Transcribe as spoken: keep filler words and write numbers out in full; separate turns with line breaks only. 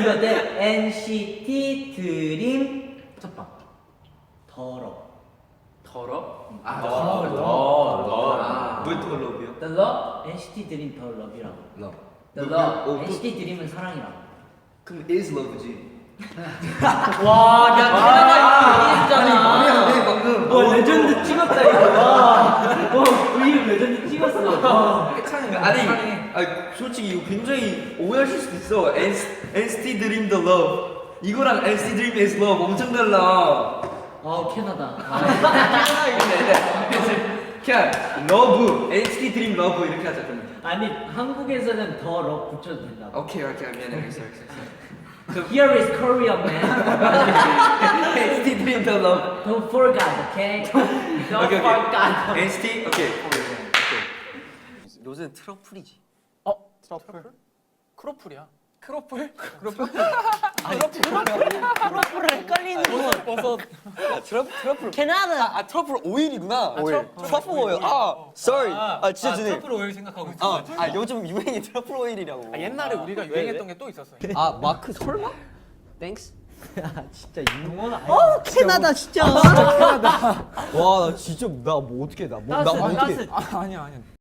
이거 대 엔시티 드림 첫방. 더러.
더러?
아,
더,
더,
더,
더.
더.
왜더 러브요?
The love 엔시티 드림 더 러브라고.
러브.
The
그,
love
그, 어,
엔시티 드림은 사랑이라고.
그럼 is love지.
와, 야,
아니,
대단하다.
말이 안 돼, 방금.
와, 레전드 찍었다 이거. 와, 와, 이거 레전드 찍었어. 와.
아니, 아니, 솔직히 이거 굉장히 오해하실 수도 있어. 엔시티 드림 the love. 이거랑 엔시티 드림 is love 엄청 달라.
아, 캐나다.
그냥 러브, 엔시티 드림 러브 이렇게 하자 그럼.
아니, 한국에서는 더 러 붙여도 된다.
오케이, 오케이, 미안해, 알겠어, 알겠어.
Here is Korea, man.
엔시티 드림 the love.
Don't forget, okay? Don't
오케이, 오케이.
forget.
엔시티, 오케이.
요새는 트러플이지.
어? 트러플? 크로플이야. 크로플? 크로플? 아니 크로플을 헷갈리는 거. 버섯.
아, 트러플 트러플.
캐나다.
아 트러플 오일이구나.
오일.
트러플 오일. 아, sorry. 아, 진짜 주네.
트러플 오일 생각하고 있어.
아, 아 요즘 유행이 트러플 오일이라고.
아, 옛날에 우리가 유행했던 게 또 있었어.
아 마크 설마? 땡스.
진짜 용어는 아니야.
어, 캐나다 진짜.
와, 나 진짜 나 뭐 어떻게 나 뭐 나 뭐 어떻게?
아, 아니야 아니야.